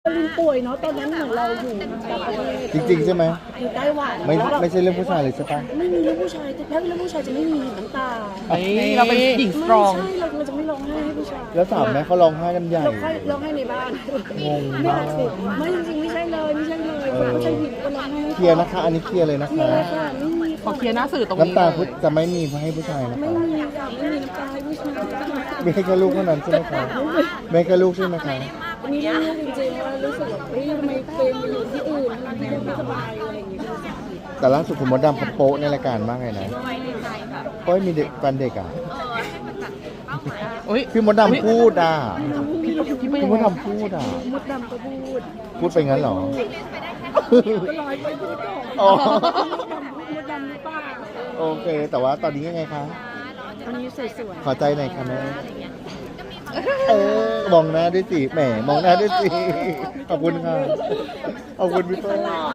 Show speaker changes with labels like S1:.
S1: ลินป่วยเนาะตอนนั้นเหมือนเราอยู่ต่างประเทศ
S2: จริงๆใช่ไหม
S1: อยู่ไต้หวัน
S2: ไม่ใช่เรื่องผู้ชายเลยใช่ปะ
S1: ไม่มีเรื่องผู้ชายแต่ถ้าเป็นเรื่องผู้ชายจะไม่มีน้ำตา
S3: เฮ้ยเราเป็นหญิงสตรอง
S1: ไม่ใช่เราจะไม่ร้องไห้ให้ผู้ชาย
S2: แล้วถามแม่เขาร้องไห้กันใหญ่
S1: ร้องไห้ในบ้าน
S2: งง
S1: ไม่
S2: มาก
S1: ไม่จริงๆไม่ใช่เลยคนผู้ชายหญิงก็ร้องไห้
S2: เคลียร์นะคะ อันนี้เคลียร์เลยนะ
S1: เคลีย
S2: คะ
S1: ร์ค่ะไม่มี
S3: ขอเคลียร์หน้าสื่อตรงนี้
S2: น้ำตาพุทธจะไม่มีให้ผู้ชายนะ
S1: ไม่
S2: คะ
S1: มีค่ะไม่มีน้ำตาให้ผู้ชาย
S2: ไม่ให้แค่ลูกเท่านั้นใช่ไหมคะไม่ให้แค่ลูกใช่ไหมคะ
S1: อันนี้เรื่องจริงๆว่ารู้สึกแบบเฮ้ยทำไมเป็นไปอยู่ที่อื่นทำไมไม่สบายอะไรอย่างเงี้ย
S2: แต่ล่าสุดคุณมดดำเขาโป๊ะในรายการมากเลยนะโอ้ยมีเด็กแฟนเด็กอ่ะ
S3: อุ้ย
S2: พี่มดดำพูดอ่ะ
S3: พี่ไม่
S2: พี่
S3: ยัง
S2: ม
S3: ไง
S2: ดดำพูดอ่ะ
S1: มดดำก็พูด
S2: พูดไปงั้นเหรอ
S1: ก็ลอยไปพูดต่อ
S2: อ๋อ
S1: มดดำหรือเปล่า
S2: โอเค แต่ว่าตอนนี้ยังไงคะ
S1: ตอนนี้สวย
S2: ขอใจหน่อยค่ะแม่มองหน้าด้วยสิแหมมองหน้าด้วยสิขอบคุณค่ะขอบคุณพี่เปิ้ล